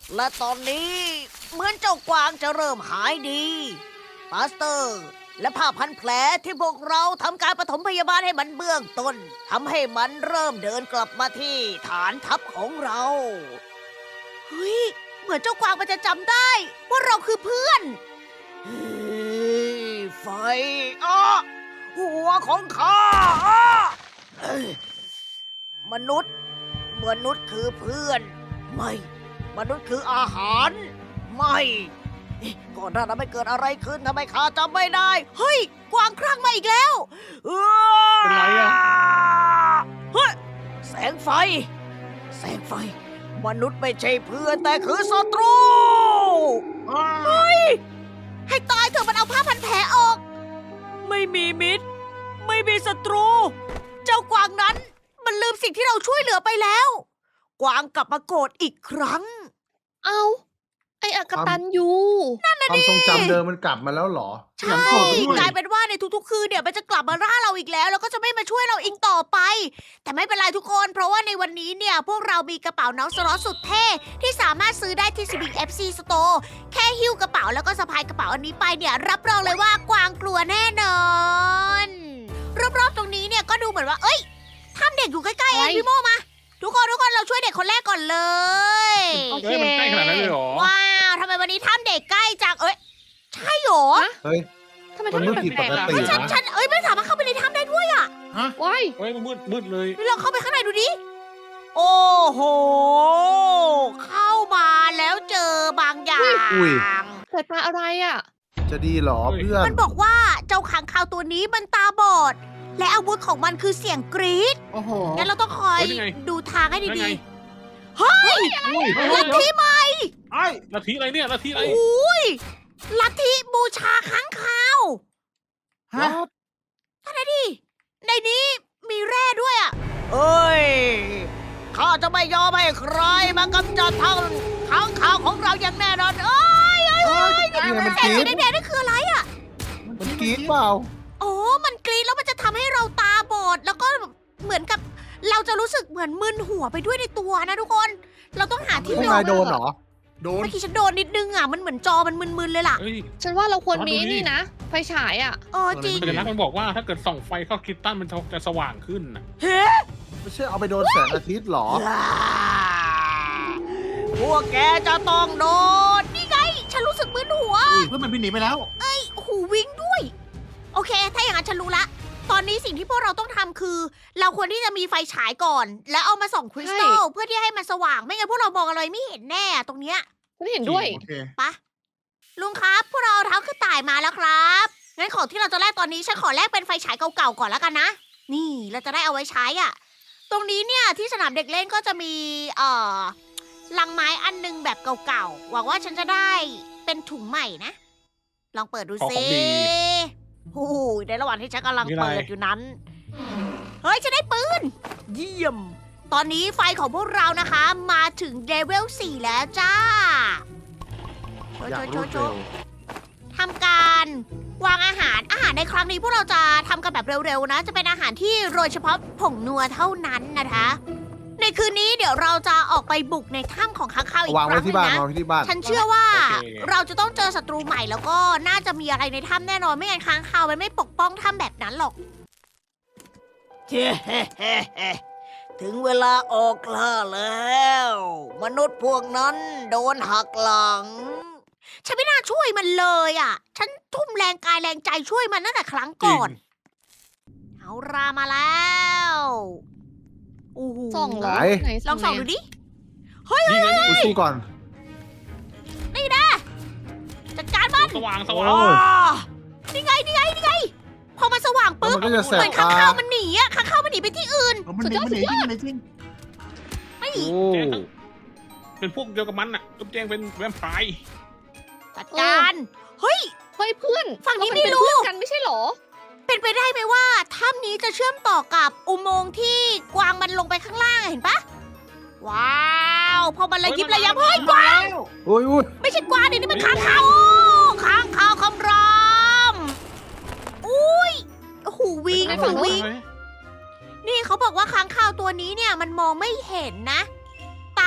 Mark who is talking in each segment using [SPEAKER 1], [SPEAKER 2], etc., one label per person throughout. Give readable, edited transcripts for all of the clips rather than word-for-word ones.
[SPEAKER 1] และตอนนี้เหมือนเจ้ากวางจะเริ่มหายดีปาสเตอร์ และผ้าพันแผลที่พวกเราทำการปฐมพยาบาลให้มันเบื้องต้นทำให้มันเริ่มเดินกลับมาที่ฐานทัพของเราเฮ้ยเหมือนเจ้ากวางมันจะจำได้ว่าเราคือเพื่อนเฮ้ยไฟอ้อหัวของข้าอ้อเอ้ยมนุษย์คือเพื่อนไม่มนุษย์คืออาหารไม่ก่อนหน้านั้นไม่เกิดอะไรขึ้นทำไมข้าจำไม่ได้เฮ้ยกวางครั่งมาอีกแล้ว
[SPEAKER 2] เป็นไรอะ
[SPEAKER 1] เฮ้ยแสงไฟ มนุษย์ไม่ใช่เพื่อนแต่คือศัตรูเฮ้ยให้ตายเถอะมันเอาผ้าพันแผลออก ไม่มีมิตร ไม่มีศัตรู เจ้ากวางนั้นมันลืมสิ่งที่เราช่วยเหลือไปแล้ว กวางกลับมาโกรธอีกครั้ง
[SPEAKER 3] เอาไอ้อกตันยู
[SPEAKER 2] ความทรงจำเดิมมันกลับมาแล้วเหรอ
[SPEAKER 1] ใช่กลายเป็นว่าในทุกๆคืนเนี่ยมันจะกลับมาล่าเราอีกแล้วก็จะไม่มาช่วยเราอีกต่อไป แต่ไม่เป็นไรทุกคนเพราะว่าในวันนี้เนี่ยพวกเรามีกระเป๋าน้องสล็อตสุดเท่ที่สามารถซื้อได้ที่ Civic FC Store แค่หิ้วกระเป๋าแล้วก็สะพายกระเป๋าอันนี้ไปเนี่ยรับรองเลยว่ากวางกลัวแน่นอนรอบๆตรงนี้เนี่ยก็ดูเหมือนว่าเอ้ยถ้ำเด็กอยู่ใกล้ๆเองพี่โมมาทุกคนเราช่วยเด็กคนแรกก่อนเลย
[SPEAKER 3] โอเค
[SPEAKER 4] เฮ้ยมันใกล้ขนาดนั้นเลยเหรอ
[SPEAKER 1] ว้าวทำไมวันนี้ถ้ำเด็กใกล้จังใช่เหรอ
[SPEAKER 2] เฮ้ย
[SPEAKER 3] ทำไม
[SPEAKER 2] มัน
[SPEAKER 3] ทำ
[SPEAKER 2] ไม่
[SPEAKER 3] ไม
[SPEAKER 2] ผิด
[SPEAKER 3] แป
[SPEAKER 2] ป
[SPEAKER 3] ลก
[SPEAKER 2] ก
[SPEAKER 3] ๆอะ
[SPEAKER 2] ติ
[SPEAKER 1] ฉันไม่สามารถเข้าไปในถ้ำได้ด้วยอ่ะ
[SPEAKER 3] ว้าย
[SPEAKER 4] เฮ้ยมันมืดเลย
[SPEAKER 1] ลองเข้าไปข้างในดูดิ โอ้โห เข้ามาแล้วเจอบางอย่าง
[SPEAKER 3] เกิดมาอะไรอ่ะ
[SPEAKER 2] จะดีเหรอเพื่อน
[SPEAKER 1] มันบอกว่าเจ้าขังคาวตัวนี้มันตาบอด และอาวุธของมันคือเสียงกรี๊ด
[SPEAKER 2] โอ้โห
[SPEAKER 1] งั้นเราต้องคอย
[SPEAKER 4] เฮ้ยนี่ไง
[SPEAKER 1] ดูทางให้
[SPEAKER 4] นั่นไง
[SPEAKER 1] ดีๆ เฮ้ย ลัทธิใหม่
[SPEAKER 4] ไอ้ลัทธิอะไรเนี่ยลัทธิอะไร
[SPEAKER 1] อุ้ยลัทธิบูชาค้างคาว
[SPEAKER 2] ฮะ
[SPEAKER 1] ท่านดิในนี้มีแร่ด้วยอ่ะ เอ้ย ข้าจะไม่ยอมให้ใครมากำจัดทั้งค้างคาวของเราอย่างแน่นอนเอ้ย
[SPEAKER 2] นี่ไงมัน
[SPEAKER 1] แส
[SPEAKER 2] ก
[SPEAKER 1] ง
[SPEAKER 2] รี๊
[SPEAKER 1] สี
[SPEAKER 2] ด
[SPEAKER 1] แดงๆนั่นคืออะไรอ่ะ
[SPEAKER 2] มันกรี๊ดเปล่า
[SPEAKER 1] โอ้มันกรีดแล้วมันจะทำให้เราตาบอด แล้วก็เหมือนกับเราจะรู้สึกเหมือนมึนหัวไปด้วยในตัวนะทุกคน เราต้องหาที่
[SPEAKER 2] ไม่
[SPEAKER 1] หล
[SPEAKER 2] นาย
[SPEAKER 1] บ
[SPEAKER 2] โดนเหรอ
[SPEAKER 4] โดน
[SPEAKER 1] เมื่อกี้ฉันโดนนิดนึงอ่ะ มันเหมือนจอมันมึนๆเลยล่ะ
[SPEAKER 4] เฮ้ย
[SPEAKER 3] ฉันว่าเราควรมี
[SPEAKER 4] ดูดิ
[SPEAKER 3] นี่นะ ไฟฉายอ่ะ
[SPEAKER 1] จริง
[SPEAKER 4] สัญลักษณ์มันบอกว่าถ้าเกิดส่องไฟเข้าคริสตัลมันจะสว่างขึ้นนะ
[SPEAKER 1] เฮ้
[SPEAKER 2] ไม่ใช่เอาไปโดนแสงอาทิตย์เหรอ
[SPEAKER 1] พวกแกจะต้องโดน นี่ไง ฉันรู้สึกมึนหัว
[SPEAKER 2] เพื่อนมันบินหนีไปแล้ว
[SPEAKER 1] หูวิ่งด้วย โอเค ถ้าอย่างนั้นฉันรู้ละ ตอนนี้สิ่งที่พวกเราต้องทำคือ เราควรที่จะมีไฟฉายก่อน แล้วเอามาส่องคริสตัลเพื่อที่ให้มันสว่าง ไม่งั้นพวกเรามองอะไรไม่เห็นแน่ตรงเนี้ย
[SPEAKER 3] ฉันเห็นด้วย
[SPEAKER 2] โอเค
[SPEAKER 1] ปะลุงครับ พวกเราเอาเท้าขึ้นต่ายมาแล้วครับงั้นของที่เราจะแลกตอนนี้ฉันขอแลกเป็นไฟฉายเก่าๆก่อนแล้วกันนะ นี่เราจะได้เอาไว้ใช้อ่ะ ตรงนี้เนี่ยที่สนามเด็กเล่นก็จะมีลังไม้อันนึงแบบเก่าๆหวังว่าฉันจะได้เป็นถุงใหม่นะ ลองเปิดดู
[SPEAKER 4] ของ
[SPEAKER 1] สิ
[SPEAKER 4] ดี
[SPEAKER 1] โอ้โหในระหว่างที่ฉันกำลัง
[SPEAKER 4] มีอะไร
[SPEAKER 1] เปิดอยู่นั้น เฮ้ยฉันได้ปืน เยี่ยม ตอนนี้ไฟของพวกเรานะคะ มาถึงเลเวล 4 แล้วจ้า
[SPEAKER 2] อยาก
[SPEAKER 1] โช
[SPEAKER 2] รู้
[SPEAKER 1] ว์
[SPEAKER 2] เร็ว
[SPEAKER 1] ทำการวางอาหารในครั้งนี้พวกเราจะทำกันแบบเร็วๆนะ จะเป็นอาหารที่โรยเฉพาะผงนัวเท่านั้นนะคะ ในคืนนี้เดี๋ยวเราจะออกไปบุกในถ้ำของค้างคาวอีก
[SPEAKER 2] วาง
[SPEAKER 1] ค
[SPEAKER 2] ไว้
[SPEAKER 1] รั้งหนึ
[SPEAKER 2] ที่
[SPEAKER 1] ง
[SPEAKER 2] บ้าน
[SPEAKER 1] นะ
[SPEAKER 2] วางไว้ที่บ้าน
[SPEAKER 1] ฉันเชื่อว่า
[SPEAKER 4] โอเค
[SPEAKER 1] เราจะต้องเจอศัตรูใหม่แล้วก็น่าจะมีอะไรในถ้ำแน่นอนไม่งั้นค้างคาวมันไม่ปกป้องถ้ำแบบนั้นหรอก ถึงเวลาออกล่าแล้ว มนุษย์พวกนั้นโดนหักหลัง ฉันไม่น่าช่วยมันเลยอ่ะ ฉันทุ่มแรงกายแรงใจช่วยมันตั้งแต่ครั้งก่อน เอารามาแล้วโอ้โห
[SPEAKER 3] ส่องเหรอ
[SPEAKER 2] ไหน
[SPEAKER 3] ไหน
[SPEAKER 1] ลองส่องดูดิ
[SPEAKER 4] นี่ไง
[SPEAKER 2] อุ๊ยสู้ก่อน
[SPEAKER 1] จัดการมัน
[SPEAKER 4] สว่างส
[SPEAKER 2] โอ้
[SPEAKER 4] ว่าง
[SPEAKER 1] นี่ไง พอมันสว่าง
[SPEAKER 2] แล้ว
[SPEAKER 1] ปุ๊บ
[SPEAKER 2] มันก็จะแส
[SPEAKER 1] เห
[SPEAKER 2] บ
[SPEAKER 1] มือนข้าง
[SPEAKER 2] ตา
[SPEAKER 1] คาวมันหนีอะข้างคาวมันหนีไปที่อื่น
[SPEAKER 3] สุดยอดสุดยอด
[SPEAKER 1] ไม่
[SPEAKER 2] โอ้
[SPEAKER 4] เป็นพวกเดียวกับมันน่ะจุ๊บแจงเป็นแวมไพร์
[SPEAKER 1] จัดการ เฮ้ย
[SPEAKER 3] เฮ้ยเพื่อน
[SPEAKER 1] ฝั่งนี้
[SPEAKER 3] เรา
[SPEAKER 1] ไม่
[SPEAKER 3] เป็น
[SPEAKER 1] รู้
[SPEAKER 3] เพื่อนกันไม่ใช่เหรอ
[SPEAKER 1] เป็นไปได้ไหมว่าถ้ำนี้จะเชื่อมต่อกับอุโมงค์ที่กวางมันลงไปข้างล่างเห็นปะว้าวพอมันระยิบระยับเฮ้ยกวาง
[SPEAKER 2] อุ้ยอุ้ย
[SPEAKER 1] ไม่ใช่กวางนี่มันค้างคาวค้างคาวคำรามอุ้ยโอ้โหวิง
[SPEAKER 3] ไป
[SPEAKER 1] โอ้
[SPEAKER 3] ฝั่
[SPEAKER 1] โห
[SPEAKER 3] งนู้น
[SPEAKER 1] วิงนี่เขาบอกว่าค้างคาวตัวนี้เนี่ยมันมองไม่เห็นนะ ตา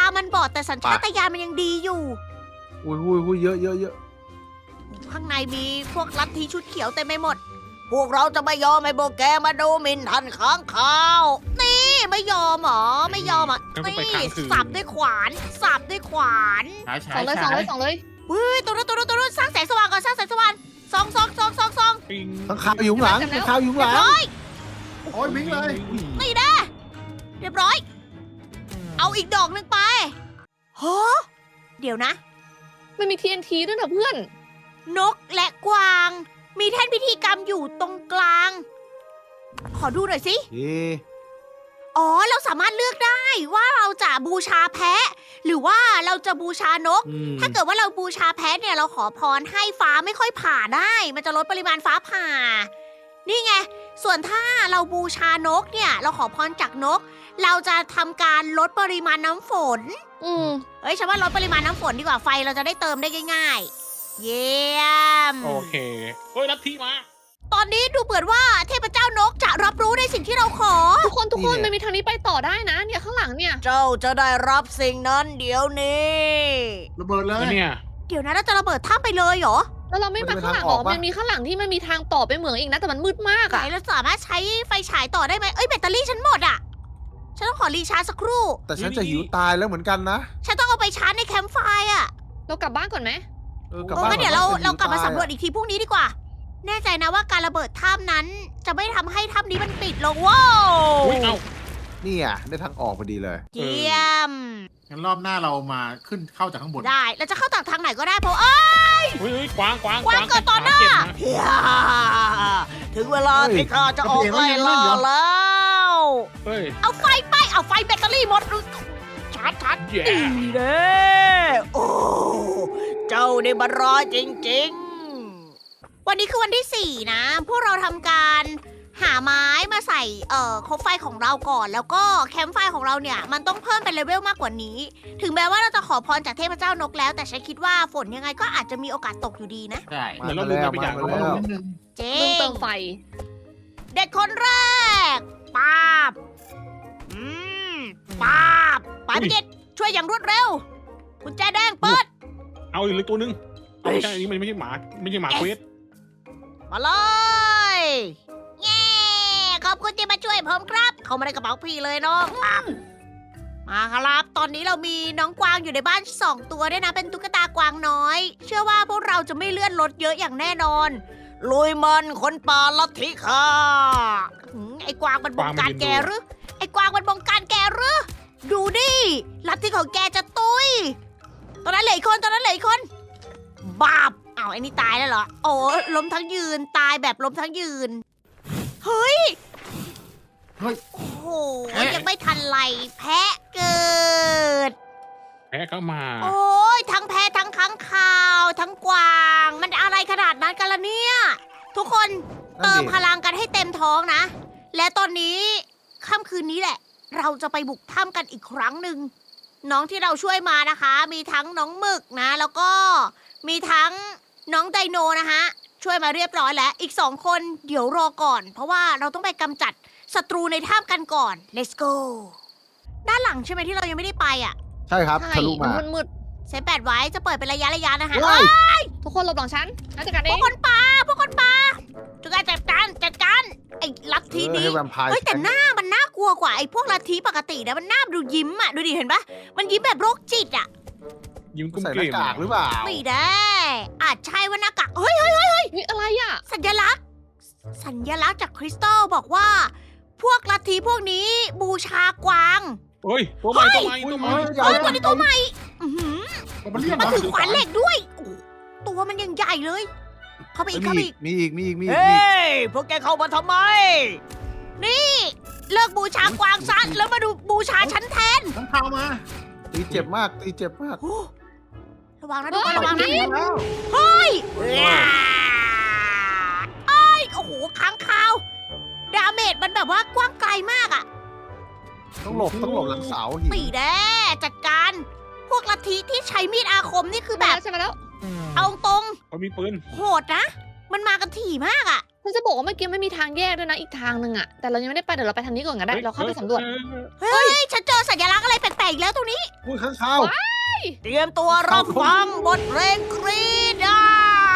[SPEAKER 1] มันบอดแต่สัญชาตญาณมันยังดีอยู่
[SPEAKER 2] อุ้ยเยอะ
[SPEAKER 1] ข้างในมีพวกลัทธิชุดเขียวเต็มไปหมด พวกเราจะไม่ยอมให้พวกแกมาดูหมิ่นท่านค้างคาว นี่ไม่ยอมเหรอ ไม่ยอมอ่ะ
[SPEAKER 4] งั้นก็ไป
[SPEAKER 1] นี่
[SPEAKER 4] ค้างคืน
[SPEAKER 1] สับด้วยขวานสับด้วยขวาน
[SPEAKER 2] ฉาย
[SPEAKER 3] สองเลย
[SPEAKER 1] เฮ้ยตัวนู้นสร้างแสงสว่างก่อนสร้างแสงสว่างส่อง
[SPEAKER 4] ปิง
[SPEAKER 2] ข้างข้าวอยู่ข้างหลังข้างข้าวอยู่ข้างหลัง
[SPEAKER 1] ร้อย
[SPEAKER 2] โอ้ยวิ่งเลย
[SPEAKER 1] นี่นะเรียบร้อย เอาอีกดอกหนึ่งไปฮะเดี๋ยวนะ
[SPEAKER 3] มันมี TNT ด้วยนะเพื่อน
[SPEAKER 1] นกและกวาง มีแท่นพิธีกรรมอยู่ตรงกลาง ขอดูหน่อยสิ
[SPEAKER 2] เอ๊ะ
[SPEAKER 1] อ๋อ เราสามารถเลือกได้ว่าเราจะบูชาแพะ หรือว่าเราจะบูชานก ถ้าเกิดว่าเราบูชาแพะเนี่ยเราขอพรให้ฟ้าไม่ค่อยผ่าได้ มันจะลดปริมาณฟ้าผ่า นี่ไง ส่วนถ้าเราบูชานกเนี่ย เราขอพรจากนก เราจะทำการลดปริมาณน้ำฝน
[SPEAKER 3] อืม
[SPEAKER 1] เฮ้ยฉันว่าลดปริมาณน้ำฝนดีกว่าไฟเราจะได้เติมได้ง่ายๆ เยี่ยม
[SPEAKER 4] โอเคเฮ้ยลัทธิมา
[SPEAKER 1] ตอนนี้ดูเหมือนว่าเทพเจ้านกจะรับรู้ในสิ่งที่เราขอ
[SPEAKER 3] ทุกคนมันมีทางนี้ไปต่อได้นะ เนี่ยข้างหลังเนี่ย
[SPEAKER 1] เจ้าจะได้รับสิ่งนั้นเดี๋ยวนี้
[SPEAKER 2] ระเบิดเลย
[SPEAKER 4] แล้วเนี่ย
[SPEAKER 1] เดี๋ยวนะเราจะระเบิดถ้ำไปเลยเหรอ
[SPEAKER 3] แล้วเราไม่มาข้างหลังหรอมันมีข้างหลังที่มันมีทางต่อไปเหมืองอีกนะ แต่มันมืดมาก
[SPEAKER 1] ไหน
[SPEAKER 3] อะ
[SPEAKER 1] เราสามารถใช้ไฟฉายต่อได้ไหมเอ้ยแบตเตอรี่ฉันหมดอ่ะ ฉันต้องขอรีชาร์จสักครู่
[SPEAKER 2] แต่ฉันจะหิวตายแล้วเหมือนกันนะ
[SPEAKER 1] ฉันต้องเอาไปชาร์จในแคมป์ไฟอ่ะ
[SPEAKER 3] เรากลับบ้านก่อนไหม
[SPEAKER 2] กลับ
[SPEAKER 1] โอ้
[SPEAKER 2] บ้าน
[SPEAKER 1] งั้นเดี๋ยว
[SPEAKER 2] ก่อน
[SPEAKER 1] เรากลับมา
[SPEAKER 2] จะหิ
[SPEAKER 1] สำรวจอีกทีพรุ่งนี้ดีกว่า แน่ใจนะว่าการระเบิดถ้ำนั้น จะไม่ทำให้ถ้ำนี้มันปิดลงว้าว
[SPEAKER 4] อุ้ยเอ้า
[SPEAKER 2] นี่อ่ะได้ทางออกพอดีเลย
[SPEAKER 1] เยี่ยม
[SPEAKER 5] งั้นรอบหน้าเรามาขึ้นเข้าจากข้างบน
[SPEAKER 1] ได้เราจะเข้าจากทางไหนก็ได้เพราะ
[SPEAKER 4] เฮ้ยกวาง
[SPEAKER 1] กวางเกิดต่อหน้า
[SPEAKER 4] เก็บนะ
[SPEAKER 1] ถึงเวลาที่ข้าจะออกไล่ล่าแล้ว
[SPEAKER 4] เฮ้ย
[SPEAKER 1] เอาไฟไป เอาไฟแบตเตอรี่หมดชาร์จ
[SPEAKER 4] แย่
[SPEAKER 1] ดีเด้โอ้ เจ้านี่มันร้ายจริงๆ วันนี้คือวันที่ 4 นะ พวกเราทำการหาไม้มาใส่คบไฟของเราก่อน แล้วก็แคมป์ไฟของเราเนี่ย มันต้องเพิ่มเป็นเลเวลมากกว่านี้ ถึงแม้ว่าเราจะขอพรจากเทพเจ้านกแล้ว แต่ฉันคิดว่าฝนยังไงก็อาจจะมีโอกาสตกอยู่ดีนะ
[SPEAKER 5] ใช่
[SPEAKER 4] เหมือนเราลืมอะไรไปอย่าง
[SPEAKER 2] มาแล้ว
[SPEAKER 5] นิดนึง
[SPEAKER 1] เจ๊
[SPEAKER 3] มึงเติมไฟ
[SPEAKER 1] เด็กคนแรกป้าบอืมป้าบไปพี่กิตช่วยอย่างรวดเร็วกุญแจแดงเปิด
[SPEAKER 4] เอาอีกเลยตัวนึงเอาไม่ใช่อันนี้มันไม่ใช่หมาเควส
[SPEAKER 1] มาเลยเย้ขอบคุณที่มาช่วยผมครับ เขามาในกระเป๋าพี่เลยน้องมาครับ ตอนนี้เรามีน้องกวางอยู่ในบ้าน2 ตัวด้วยนะ เป็นตุ๊กตากวางน้อย เชื่อว่าพวกเราจะไม่เลื่อนรถเยอะอย่างแน่นอน ลุยมันคนป่าลัทธิค่ะไอ้กวางมันบงการแกหรือ ไอ้กวางมันบงการแกหรือ ดูดิลัทธิของแกจะตุยตอนนั้นเหลืออีกคน บาบอ้าวไอ้นี่ตายแล้วเหรอ โอ้ล้มทั้งยืน ตายแบบล้มทั้งยืน เฮ้ย
[SPEAKER 5] เฮ้ย
[SPEAKER 1] โอ้โห ยังไม่ทันไรแพะเกิด
[SPEAKER 4] แพ้เข้ามา
[SPEAKER 1] โอ้ยทั้งแพะทั้งค้างคาว ทั้งกวาง มันอะไรขนาดนั้นกันล่ะเนี่ย ทุกคนเติมพลังกันให้เต็มท้องนะ และตอนนี้ค่ำคืนนี้แหละ เราจะไปบุกถ้ำกันอีกครั้งหนึ่ง น้องที่เราช่วยมานะคะ มีทั้งน้องหมึกนะ แล้วก็มีทั้งน้องไดโนนะคะ ช่วยมาเรียบร้อยแล้ว อีก2 คนเดี๋ยวรอก่อน เพราะว่าเราต้องไปกำจัดศัตรูในถ้ำกันก่อน let's go ด้านหลังใช่ไหมที่เรายังไม่ได้ไปอ่ะ
[SPEAKER 2] ใช่ครับ
[SPEAKER 3] ใช่
[SPEAKER 2] ทะลุมา
[SPEAKER 3] มันมืด
[SPEAKER 1] เซฟแปดไว้จะเปิดเป็นระยะนะคะ
[SPEAKER 2] ว้าย
[SPEAKER 3] ๆทุกคนหลบหลังฉันแล้วจัดการ
[SPEAKER 1] พ
[SPEAKER 3] เอ
[SPEAKER 1] วก
[SPEAKER 3] ง
[SPEAKER 1] คนป่าจุกการจัดการไอ้ลัทธินี้
[SPEAKER 2] ให้แวมไพร์
[SPEAKER 1] เฮ้ยแต่หน้ามันน่ากลัวกว่าไอ้พวกลัทธิปกตินะมันหน้าดูยิ้มอ่ะดูดิเห็นปะมันยิ้มแบบโรคจิตอ่ะ
[SPEAKER 4] ยิ้มกุ้ม
[SPEAKER 2] ใส่ห
[SPEAKER 4] เก
[SPEAKER 2] น้าม กากหรือเปล่า
[SPEAKER 1] ไม่ได้ อาจใช่ว่าหน้ากากเฮ้ย
[SPEAKER 3] นี่อะไรอ่ะ
[SPEAKER 1] สัญลักษณ์จากคริสตัลบอกว่า พวกลัทธิพวกนี้บูชากวาง
[SPEAKER 4] เฮ้ยตัวใหม่
[SPEAKER 1] ตัวนี้ตัวใหม่อื้อหือ
[SPEAKER 5] มันเรียก
[SPEAKER 1] มัน
[SPEAKER 5] เหรอ
[SPEAKER 1] ถือขวานเหล็กด้วยโอ้โหตัวมันยังใหญ่เลย เข้าไปอีก
[SPEAKER 2] มีอีก
[SPEAKER 1] เฮ้ยพวกแกเข้ามาทำไม นี่ เลิกบูชากวางซะแล้วมาดูบูชาฉันแทน
[SPEAKER 5] ทั้งข่าวมา
[SPEAKER 2] ตีเจ็บมาก
[SPEAKER 1] โอ้ระวังนะทุกคนระวังนะ
[SPEAKER 5] แล้ว
[SPEAKER 1] เฮ้ยเอ้ยโอ้โหค้างคาว ดาเมจมันแบบว่ากว้างไกลมากอะ
[SPEAKER 2] ต้องหลบหลังเสาหิน
[SPEAKER 1] ตีแน่จัดการ พวกลัทธิที่ใช้มีดอาคมนี่คือแบบ
[SPEAKER 3] ใช่ไหมแล้ว
[SPEAKER 1] เอาตรง
[SPEAKER 4] เขามีปืน
[SPEAKER 1] โหดนะ มันมากันถี่มากอะ
[SPEAKER 3] ฉันจะบอกว่าเมื่อกี้ไม่มีทางแยกด้วยนะอีกทางหนึ่งอะแต่เรายังไม่ได้ไปเดี๋ยวเราไปทางนี้ก่อนก็ได้เราเข้าไปสำรวจ
[SPEAKER 1] เฮ้ย ฉันเจอสัญลักษณ์อะไรแปลกๆอีกแล้วตรงนี้
[SPEAKER 2] อุ้ยข้างข้าว
[SPEAKER 1] เตรียมตัวรับฟังบทเพลงกรีดอ่ะ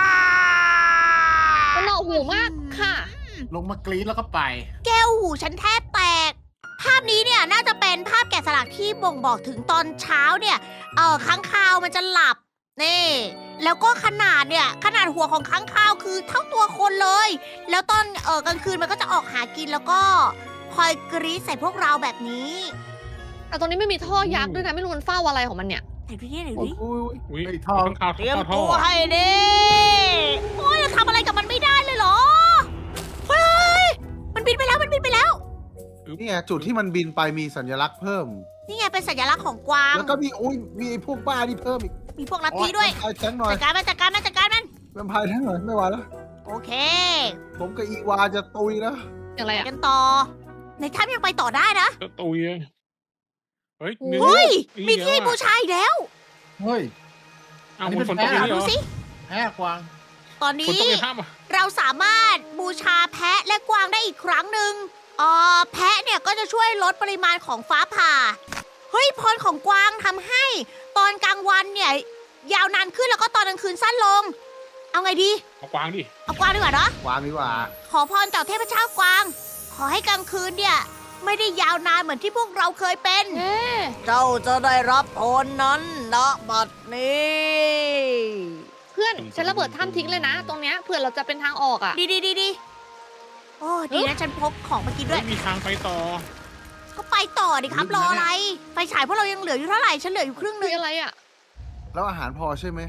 [SPEAKER 3] มันหนวกหูมากค่ะ
[SPEAKER 5] ลงมากรี๊ดแล้วก็ไป
[SPEAKER 1] แก้วหูฉันแทบแตก ภาพนี้เนี่ยน่าจะเป็นภาพแกะสลักที่บ่งบอกถึงตอนเช้าเนี่ย ค้างคาวมันจะหลับ นี่ แล้วก็ขนาดเนี่ย ขนาดหัวของค้างคาวคือเท่าตัวคนเลย แล้วตอนกลางคืนมันก็จะออกหากินแล้วก็คอยกรีดใส่พวกเราแบบนี้
[SPEAKER 3] แต่ตรงนี้ไม่มีท่อยักษ์ด้วยนะไม่รู้มันเฝ้าอะไรของมันเนี่ย
[SPEAKER 1] ไหนดูนี่ไหนดู
[SPEAKER 2] อุ้ย
[SPEAKER 1] นี่
[SPEAKER 2] อุ้ย
[SPEAKER 4] อุ้ย
[SPEAKER 5] ไอ้ท่อ
[SPEAKER 4] ข้างข่าว
[SPEAKER 1] เตรียม
[SPEAKER 4] ท่อ
[SPEAKER 1] ตัวให้ดีโอ้ยเราทำอะไรกับมันไม่ได้เลยเหรอ เฮ้ย มันบินไปแล้ว มันบินไปแล้ว
[SPEAKER 2] นี่ไงจุดที่มันบินไปมีสัญลักษณ์เพิ่ม
[SPEAKER 1] นี่ไงเป็นสัญลักษณ์ของกวาง
[SPEAKER 2] แล้วก็มีอุ้ยมีไอ้พวกบ้านี่เพิ่มอีก
[SPEAKER 1] มีพวกลัทธิด้วย
[SPEAKER 2] ไอ้แทงหน่อย
[SPEAKER 1] จัดการมันจัดการมันจัดการมัน
[SPEAKER 2] แวมไพร์แทงหน่อยไม่ไหวแล้ว
[SPEAKER 1] โอเค
[SPEAKER 2] ผมกับอีวาจะตุยแล้ว
[SPEAKER 3] อย่างไร
[SPEAKER 1] ไป
[SPEAKER 3] อะ
[SPEAKER 1] กันต่อ ในถ้ำยังไปต่อได้นะ
[SPEAKER 4] จะตุยเลยเฮ้ย
[SPEAKER 1] เฮ้ย
[SPEAKER 4] นี่
[SPEAKER 1] มีที่
[SPEAKER 4] เยอะอะ
[SPEAKER 1] บูชาอีกแล้ว
[SPEAKER 5] เฮ้ย
[SPEAKER 4] อ้าว
[SPEAKER 5] อันนี้
[SPEAKER 4] มัน
[SPEAKER 5] เป็น
[SPEAKER 4] ฝนตก
[SPEAKER 5] แพะ
[SPEAKER 4] อย่างนี้เหร
[SPEAKER 1] ดู
[SPEAKER 4] อ
[SPEAKER 1] สิ
[SPEAKER 5] แพ้กวาง
[SPEAKER 1] ตอน
[SPEAKER 4] ฝน
[SPEAKER 1] นี้
[SPEAKER 4] ตกในถ้ำอ่ะ
[SPEAKER 1] เราสามารถบูชาแพะและกวางได้อีกครั้งหนึ่งแพะเนี่ยก็จะช่วยลดปริมาณของฟ้าผ่า เฮ้ยพรของกวางทำให้ตอนกลางวันเนี่ย ยาวนานขึ้นแล้วก็ตอนกลางคืนสั้นลง เอาไงดี
[SPEAKER 4] เอากวางดิ
[SPEAKER 1] เอากวางดีกว่าเนาะ
[SPEAKER 2] วางดีกว่า
[SPEAKER 1] ขอพรจากเทพเจ้ากวาง ขอให้กลางคืนเนี่ย ไม่ได้ยาวนานเหมือนที่พวกเราเคยเป็น
[SPEAKER 3] เอ๊ะ
[SPEAKER 1] เจ้าจะได้รับพรนั้นณบัดนี้
[SPEAKER 3] เพื่อนฉันระเบิดถ้ำทิ้งเลยนะ ตรงเนี้ยเผื่อเราจะเป็นทางออกอะ
[SPEAKER 1] ดีโอ้ดีนะฉันพกของมากินด้ว
[SPEAKER 4] ไม่
[SPEAKER 1] ย
[SPEAKER 4] มีทางไปต่อ
[SPEAKER 1] ก็ไปต่อดิครับรออะไร ไฟฉายพวกเรายังเหลืออยู่เท่าไหร่ ฉันเหลืออยู่ครึ่งห
[SPEAKER 3] คื
[SPEAKER 1] นึ
[SPEAKER 3] อง อะไรอะ
[SPEAKER 2] แล้วอาหารพอใช่ไหม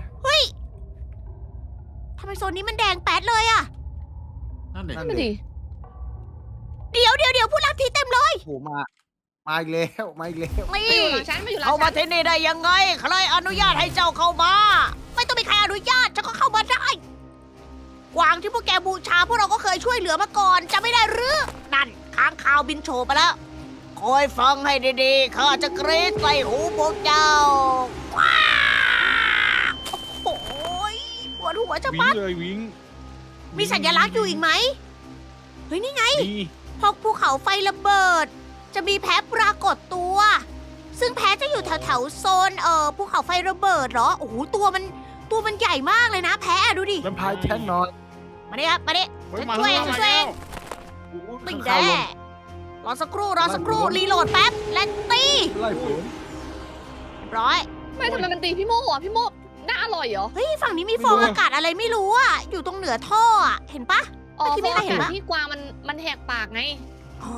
[SPEAKER 1] ทำไมโซนนี้มันแดงแป๊ดเลยอะ
[SPEAKER 5] นั่นเด็ก
[SPEAKER 3] นั่นน่ะดิ
[SPEAKER 1] เดี๋ยวผู้ลักทีเต็มเลย
[SPEAKER 2] โอ้โหมาอีกแล้วมาอีกแล้ว
[SPEAKER 3] มาอยู่หลังฉันมาอยู่หลัง
[SPEAKER 1] เข้ามา
[SPEAKER 3] ฉัน
[SPEAKER 1] ที่นี่ได้ยังไง ใครอนุญาตให้เจ้าเข้ามา ไม่ต้องมีใครอนุญาตฉันก็เข้ามาได้ กวางที่พวกแกบูชาพวกเราก็เคยช่วยเหลือมาก่อนจะไม่ได้หรือ นั่นค้างคาวบินโฉบมาแล้ว คอยฟังให้ดีๆ ข้าจะกรีดใส่หูพวกเจ้าว้าวโอ้โหปวดหัวจะ
[SPEAKER 4] วิ่
[SPEAKER 1] ปั
[SPEAKER 4] ง
[SPEAKER 1] ด
[SPEAKER 4] เลยวิ่ง
[SPEAKER 1] มีสัญลักษณ์อยู่อีกไหม เฮ้ยนี่ไง
[SPEAKER 4] มี
[SPEAKER 1] พอภูเขาไฟระเบิด จะมีแพ้ปรากฏตัว ซึ่งแพ้จะอยู่แถวๆโซนภูเขาไฟระเบิดเหรอ โอ้โหตัวมันใหญ่มากเลยนะ แพ้อะดูดิ
[SPEAKER 2] แวมไพร์แทงหน่อย
[SPEAKER 1] มาดิครับมาดิ
[SPEAKER 4] เฮ้ย
[SPEAKER 1] ฉัน
[SPEAKER 4] มา
[SPEAKER 1] ช่วย
[SPEAKER 4] แล้ว
[SPEAKER 1] ฉัน
[SPEAKER 4] มา
[SPEAKER 1] ช่วย
[SPEAKER 4] แล้ว
[SPEAKER 2] โอ้โห
[SPEAKER 1] ไม่
[SPEAKER 2] ข้าง
[SPEAKER 1] แน่
[SPEAKER 2] ข้าวลง
[SPEAKER 1] รอสักครู่รีโหลดแป๊บ และตี
[SPEAKER 2] ไล่ผม
[SPEAKER 1] เรียบร้อย
[SPEAKER 3] ไม่ทำไมมันตีพี่โมอ่ะพี่โมน่าอร่อยเหรอ
[SPEAKER 1] เฮ้ยฝั่งนี้มีฟองอากาศอะไรไม่รู้อะอยู่ตรงเหนือท่ออะเห็นปะ
[SPEAKER 3] อ๋อ
[SPEAKER 1] เมื่อกี้
[SPEAKER 3] เพ
[SPEAKER 1] ไม่
[SPEAKER 3] ราะ
[SPEAKER 1] ใคร
[SPEAKER 3] ว่า
[SPEAKER 1] เห็นปะ
[SPEAKER 3] ที่กวางมันแหกปากไง
[SPEAKER 1] อ๋อ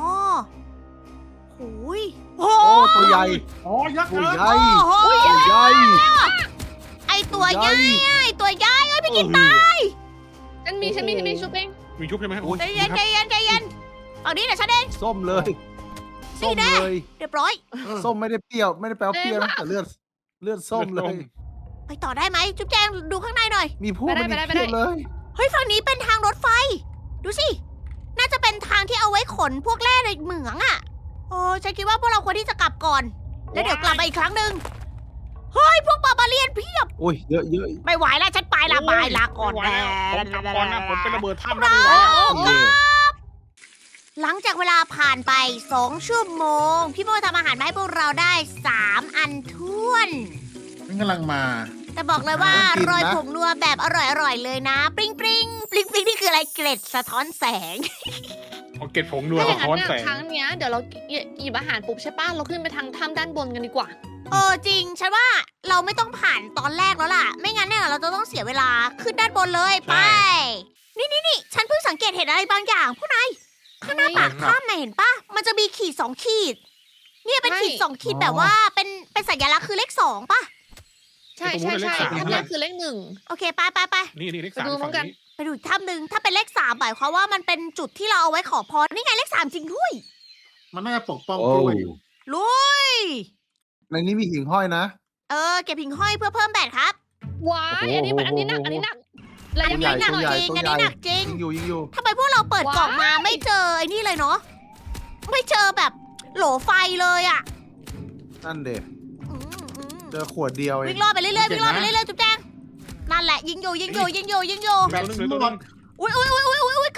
[SPEAKER 1] หูย
[SPEAKER 2] โอ้ตัวใหญ่
[SPEAKER 5] อ๋อยักษ์
[SPEAKER 2] ตัว
[SPEAKER 5] เกิน
[SPEAKER 2] ใหญ่
[SPEAKER 1] โอ้โห
[SPEAKER 2] ตัวใหญ่
[SPEAKER 1] ไอตัวใหญ่ไอตัวใหญ่เอ้ยพี่กิน
[SPEAKER 2] ตา
[SPEAKER 3] ฉันมีชุบเอง
[SPEAKER 4] มีชุบใช่ไหม
[SPEAKER 2] โอ้ย
[SPEAKER 1] ใจเย็นฝั่งนี้เดี๋ยวฉันเอง
[SPEAKER 2] ส้มเลย
[SPEAKER 1] นี่
[SPEAKER 2] ส้ม
[SPEAKER 1] แน่
[SPEAKER 2] เลย
[SPEAKER 1] เรียบร้อย
[SPEAKER 2] ส้มไม่ได้เปรี้ยวไม่ได้แปลว่าเปรี้ยวนะแต่เลือดส้มเลย
[SPEAKER 1] ไปต่อได้ไหมจุ๊บแจงดูข้างในหน่อย
[SPEAKER 2] มีผู้มันอีกเพียบเลย
[SPEAKER 1] เฮ้ยฝั่งนี้เป็นทางรถไฟ ดูสิ น่าจะเป็นทางที่เอาไว้ขนพวกแร่ในเหมืองอะโอ้ฉันคิดว่าพวกเราควรที่จะกลับก่อน แล้วเดี๋ยวกลับมาอีกครั้งหนึ่งเฮ้ยพวกบาบาเลียนเพียบ
[SPEAKER 2] โอ้ยเยอะเยอะ
[SPEAKER 1] ไม่ไหวแล้วฉันไปละบายลาก่อน
[SPEAKER 4] ไม่ไหวแล้วผมกลับก่อนนะผมเป็นระเบิดถ้ำ
[SPEAKER 1] เรา
[SPEAKER 4] แล้วไม่ไหวแล้ว
[SPEAKER 2] เย่
[SPEAKER 1] หลังจากเวลาผ่านไป2 ชั่วโมง พี่โมทำอาหารมาให้พวกเราได้3 อันท้วน
[SPEAKER 5] มันกำลังมา
[SPEAKER 1] แต่บอกเลยว่าโรยผงนัวแบบอร่อยๆเลยนะ ปริงปริงปริงปริงนี่คืออะไรเกล็ดสะท้อนแสง
[SPEAKER 4] เอาเก็ดผงนัว
[SPEAKER 3] ถ้าอ
[SPEAKER 4] สะ
[SPEAKER 3] ย่างนั้
[SPEAKER 4] ท้อน
[SPEAKER 3] น
[SPEAKER 4] แส
[SPEAKER 3] น่ะ
[SPEAKER 4] ง
[SPEAKER 3] ครั้งเนี้ยเดี๋ยวเราหยิบอาหารปุ๊บใช่ป่ะเราขึ้นไปทางถ้ำด้านบนกันดีกว่า
[SPEAKER 1] จริง ฉันว่าเราไม่ต้องผ่านตอนแรกแล้วล่ะ ไม่งั้นเนี่ยเราจะต้องเสียเวลาขึ้นด้านบนเลยไป นี่ฉันเพิ่งสังเกตเห็นอะไรบางอย่างผู้นายข้างหน้าปากถ้ำน่ะเห็นปะมันจะมีขีด2 ขีด เนี่ยเป็นขีด2 ขีดแบบว่าเป็นสัญลักษณ์คือเลข2ป่ะ
[SPEAKER 3] ใช่ถ้ำแรกคือเลข 1
[SPEAKER 1] โอเคไป
[SPEAKER 4] นี่เลขสาม
[SPEAKER 3] ไปดูพร้อ
[SPEAKER 4] ฝั่
[SPEAKER 3] ม
[SPEAKER 4] ง
[SPEAKER 3] กัน
[SPEAKER 4] นี้
[SPEAKER 1] ไปดูอีกถ้ำหนึ่งถ้าเป็นเลข3หมายความว่ามันเป็นจุดที่เราเอาไว้ขอพรนี่ไงเลข3จริงด้วย
[SPEAKER 5] มันน่าจะปกป้อง
[SPEAKER 2] โอ้
[SPEAKER 5] กล้วยอยู่
[SPEAKER 1] ลุย
[SPEAKER 2] ในนี้มีหิ่งห้อยนะ
[SPEAKER 1] เก็บหิ่งห้อยเพื่อเพิ่มแบตครับ
[SPEAKER 3] ว้ายอันนี้หนักแล้วยัง
[SPEAKER 2] ตัวใหญ่
[SPEAKER 3] ไม่หนัก
[SPEAKER 2] ตัว
[SPEAKER 3] เล
[SPEAKER 2] ใหญ่
[SPEAKER 3] ย
[SPEAKER 1] อันนี้หนักจริง
[SPEAKER 2] ยิงอยู่
[SPEAKER 1] ทำไมพวกเราเปิดกล่องมาไม่เจอไอ้นี่เลยเนาะไม่เจอแบบโหลไฟเลยอ่ะ
[SPEAKER 2] นั่นเด็
[SPEAKER 1] อืม
[SPEAKER 2] เจอขวดเดียวเอ
[SPEAKER 1] วิ่
[SPEAKER 2] ง
[SPEAKER 1] งรอบไปเรื่อยๆวิ่งรอบไปเรื่อยๆจุ๊บแจงนั่นแหละยิงอยู่
[SPEAKER 5] แบต
[SPEAKER 4] ตัวนึงเลยตัวนึง
[SPEAKER 1] อุ้ย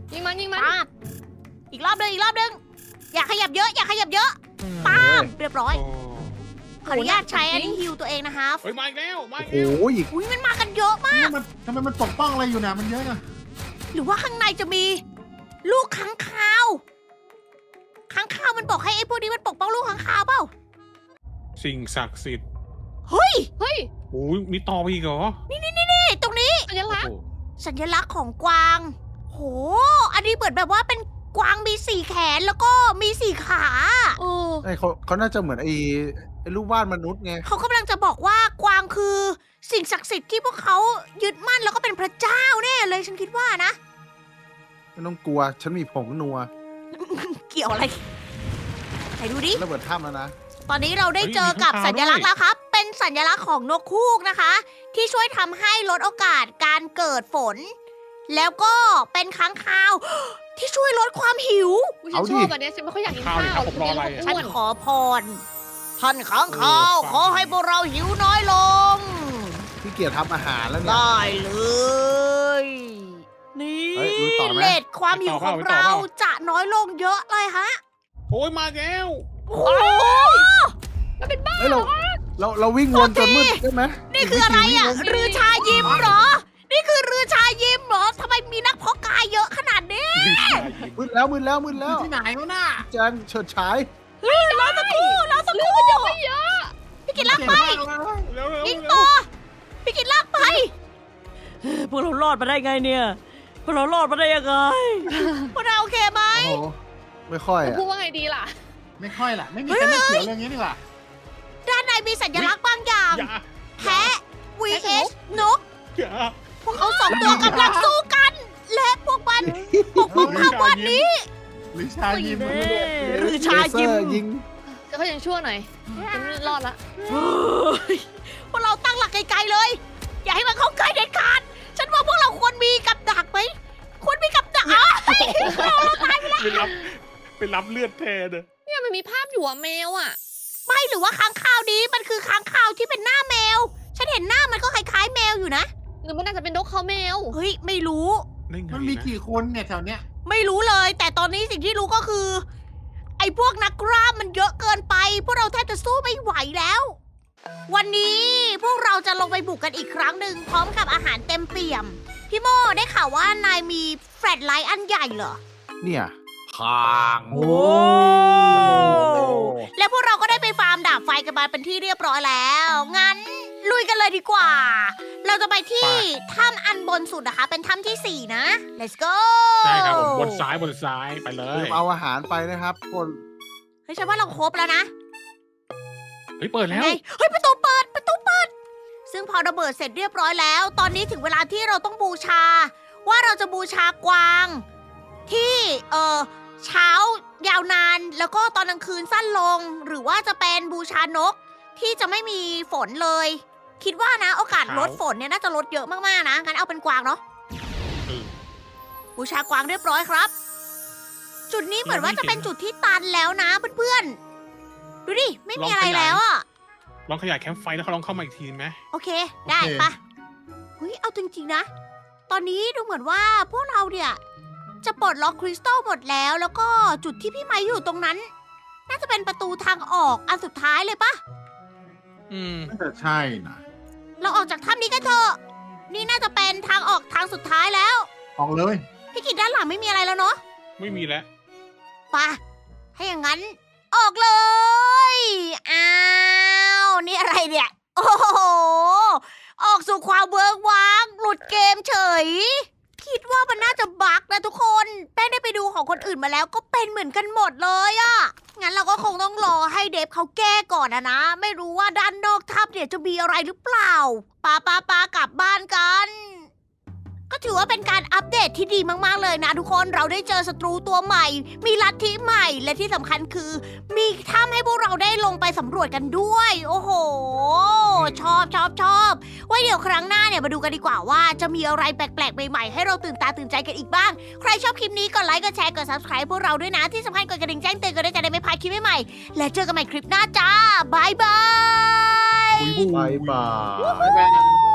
[SPEAKER 3] ยิงมันยิงมัน
[SPEAKER 1] ป้าบอีกรอบหนึงอย่าขยับเยอะอย่าขยับเยอะป้าบเรียบร้อย
[SPEAKER 4] โอ้
[SPEAKER 1] ขออนุญาตใช้อันนี้ฮิวตัวเองนะคะ
[SPEAKER 4] เฮ้ยมาอีกแล้วมา
[SPEAKER 2] โอ้
[SPEAKER 4] อีก
[SPEAKER 2] โห
[SPEAKER 4] แล้ว
[SPEAKER 2] อีก
[SPEAKER 1] อุ้ยมันมากันเยอะมาก
[SPEAKER 5] นี่มันทำไมมันปกป้องอะไรอยู่นะมันเยอะนะ
[SPEAKER 1] หรือว่าข้างในจะมีลูกค้างคาวค้างคาวมันบอกให้ไอ้พวกนี้มันปกป้องลูกค้างคาวเปล่า
[SPEAKER 4] สิ่งศักดิ์สิทธิ์
[SPEAKER 1] เฮ้ย
[SPEAKER 3] เฮ้ย
[SPEAKER 4] โอ้ยมีต่อไปอีกเหรอ
[SPEAKER 1] นี่ตรงนี้
[SPEAKER 3] สัญลักษณ์
[SPEAKER 4] โอ้โห
[SPEAKER 1] สัญลักษณ์ของกวาง โห อันนี้เหมือนแบบว่าเป็นกวางมีสี่แขนแล้วก็มีสี่ขา
[SPEAKER 3] โอ้
[SPEAKER 2] ไอ้เขาน่าจะเหมือนไอ้รูปวาดมนุษย์ไง
[SPEAKER 1] เขากำลังจะบอกว่ากวางคือสิ่งศักดิ์สิทธิ์ที่พวกเขายึดมั่นแล้วก็เป็นพระเจ้าแน่เลยฉันคิดว่านะ
[SPEAKER 2] ไม่ต้องกลัว ฉันมีผงนัว
[SPEAKER 1] เกี่ยวอะไรไหนดูดิ
[SPEAKER 2] ระเบิดถ้ำแล้วนะ
[SPEAKER 1] ตอนนี้เราได้เจอกับสัญลักษณ์แล้วครับ เป็นสัญลักษณ์ของนกฮูกนะคะ ที่ช่วยทำให้ลดโอกาสการเกิดฝน แล้วก็เป็นค้างคาว ที่ช่วยลดความหิว
[SPEAKER 3] อุ๊ยฉั
[SPEAKER 2] เอา
[SPEAKER 3] น
[SPEAKER 2] ดิ
[SPEAKER 3] ชอบแบบเนี้ยฉันไม่ค่อยอยากกินข้าว
[SPEAKER 4] ข้าวดิครับผมรออะไรอะ
[SPEAKER 1] ฉัน
[SPEAKER 3] อ้วน
[SPEAKER 1] ขอพร ท่านค้างคาว ขอให้พวกเราหิวน้อยลง
[SPEAKER 2] พี่เกียรทำอาหารแล้วเนี่ย
[SPEAKER 1] ได้เลย นี่
[SPEAKER 2] เฮ้ยลุยต่อไหม
[SPEAKER 1] เลทความหิวของเราจะน้อยลงเยอะเลยฮะ
[SPEAKER 4] โอ้ยมาแล้ว
[SPEAKER 1] โอ้โห
[SPEAKER 3] มันเป็นบ้า
[SPEAKER 2] เฮ้ยเราวิ่งวนจนมืดใช่ไหม
[SPEAKER 1] นี่คืออะไรอ่ะ รือชายิมเหรอ นี่คือรือชายิมเหรอทำไมมีนักเพาะกายเยอะขนาดนี้
[SPEAKER 2] มืดแล้ว
[SPEAKER 5] ที่ไหนวะน่ะ
[SPEAKER 2] แจงเฉิดฉาย
[SPEAKER 1] รอสักครู่พี่กินลากไป
[SPEAKER 4] เร็วๆ
[SPEAKER 1] ยิงต่อพี่กินลากไปพวกเรารอดมาได้ไงเนี่ยพวกเรารอดมาได้ยังไงพวกเราโอเคไหม
[SPEAKER 2] โอ้โห ไม่ค่อย
[SPEAKER 3] จะ
[SPEAKER 2] อ่ะ
[SPEAKER 3] พูดว่าไงดีล่ะ
[SPEAKER 5] ไม่ค่อยล่ะ ไม่มีใครไม่เขียวเรื่องนี้นี่หว่า
[SPEAKER 1] ด้านในมีสัญลักษณ์บางอย่าง
[SPEAKER 4] อย่า
[SPEAKER 1] แพะ vs นก
[SPEAKER 4] อย่า
[SPEAKER 1] พวกเขาสองตัวกำลังสู้กัน และพวกมันปกป้องภาพวาดนี้
[SPEAKER 5] หรือชายิม
[SPEAKER 1] รือชายิม
[SPEAKER 2] เลเซอร์ยิง
[SPEAKER 3] ก็เขายังชั่วหน่อยฉันรอดละ
[SPEAKER 1] เฮ้ยพวกเราตั้งหลักไกลๆเลย อย่าให้มันเข้าใกล้เด็ดขาด ฉันว่าพวกเราควรมีกับดักไหมควรมีกับดักอ่ะ
[SPEAKER 4] ไปรับเลือดแทนอะ
[SPEAKER 3] เนี่ยมันมีภาพอยู่อะแมวอะ
[SPEAKER 1] ไม่หรือว่าค้างคาวนี้มันคือค้างคาวที่เป็นหน้าแมว ฉันเห็นหน้ามันก็คล้ายๆแมวอยู่นะ
[SPEAKER 3] หรือมันน่าจะเป็นนกเขาแมว
[SPEAKER 1] เฮ้ยไม่รู้
[SPEAKER 4] ได้ไง
[SPEAKER 5] มันมี
[SPEAKER 4] นะ
[SPEAKER 5] กี่คนเนี่ยแถวเนี้ย
[SPEAKER 1] ไม่รู้เลย แต่ตอนนี้สิ่งที่รู้ก็คือ ไอ้พวกนักกล้ามมันเยอะเกินไป พวกเราแทบจะสู้ไม่ไหวแล้ว วันนี้พวกเราจะลงไปบุกกันอีกครั้งหนึ่งพร้อมกับอาหารเต็มเปี่ยม พี่โมได้ข่าวว่านายมีแฟลชไลท์อันใหญ่เหรอ
[SPEAKER 2] เนี่ยพาง
[SPEAKER 1] โอ้ และพวกเราก็ได้ไปฟาร์มดาบไฟกันมาเป็นที่เรียบร้อยแล้ว งั้นลุยกันเลยดีกว่า เราจะไปที่ถ้ำอันบนสุดนะคะ เป็นถ้ำที่ 4 นะ let's go
[SPEAKER 4] ใช่ครับผมบนซ้ายไปเล
[SPEAKER 2] ลื
[SPEAKER 4] ย
[SPEAKER 2] มเอาอาหารไปนะครับคน
[SPEAKER 1] เฮ้ยฉันว่าเราครบแล้วนะ
[SPEAKER 4] เฮ้ยเปิดแล้ว
[SPEAKER 1] ไงเฮ้ยประตูเปิด ซึ่งพอระเบิดเสร็จเรียบร้อยแล้ว ตอนนี้ถึงเวลาที่เราต้องบูชา ว่าเราจะบูชากวาง ที่เช้ายาวนานแล้วก็ตอนกลางคืนสั้นลง หรือว่าจะเป็นบูชานกที่จะไม่มีฝนเลย คิดว่านะโอกาสลดฝนเนี่ยน่าจะลดเยอะมากๆนะงั้นเอาเป็นกวางเนาะ
[SPEAKER 4] เออ
[SPEAKER 1] บูชากวางเรียบร้อยครับ จุดนี้เหมือนว่าจะเป็นจุดที่ตันแล้วนะเพื่อนๆดูดิไม่มีอะไรแล้วอะ
[SPEAKER 4] ลองขยายแคมป์ไฟแล้วเขาลองเข้ามาอีกทีไหม
[SPEAKER 1] โอเค ได้ปะเฮ้ย เอาจริงๆนะ ตอนนี้ดูเหมือนว่าพวกเราเนี่ย จะปลดล็อกคริสตัลหมดแล้ว แล้วก็จุดที่พี่ไม้อยู่ตรงนั้น น่าจะเป็นประตูทางออกอันสุดท้ายเลยปะ
[SPEAKER 4] อืม
[SPEAKER 5] น่าจะใช่นะ
[SPEAKER 1] เราออกจากถ้ำนี้กันเถอะ นี่น่าจะเป็นทางออกทางสุดท้ายแล้ว
[SPEAKER 5] ออกเลย
[SPEAKER 1] พี่กิจด้านหลังไม่มีอะไรแล้วเนาะ
[SPEAKER 4] ไม่มีแล้ว
[SPEAKER 1] ไปะถ้าอย่างนั้น ออกเลย อ้าว นี่อะไรเนี่ย โอ้โห ออกสู่ความเวิร์กว้าง หลุดเกมเฉย คิดว่ามันน่าจะบั๊กนะทุกคน แป้งได้ไปดูของคนอื่นมาแล้วก็เป็นเหมือนกันหมดเลยอะงั้นเราก็คงต้องรอให้เดฟเขาแก้ก่อนนะ ไม่รู้ว่าด้านนอกถ้ำเนี่ยจะมีอะไรหรือเปล่าปากลับบ้านกัน ก็ถือว่าเป็นการอัปเดตที่ดีมากๆเลยนะทุกคน เราได้เจอศัตรูตัวใหม่ มีลัทธิใหม่ และที่สำคัญคือ มีถ้ำให้พวกเราได้ลงไปสำรวจกันด้วย โอ้โห ชอบไว้เดี๋ยวครั้งหน้าเนี่ยมาดูกันดีกว่าว่าจะมีอะไรแปลกๆใหม่ๆให้เราตื่นตาตื่นใจกันอีกบ้าง ใครชอบคลิปนี้กดไลค์ กดแชร์ กด subscribe พวกเราด้วยนะ ที่สำคัญกดกระดิ่งแจ้งเตือนกันด้วยจะได้ไม่พลาดคลิปใหม่ๆและเจอกันใหม่คลิปหน้าจ้าบายบาย
[SPEAKER 2] บายบาย
[SPEAKER 5] บ๊ายบาย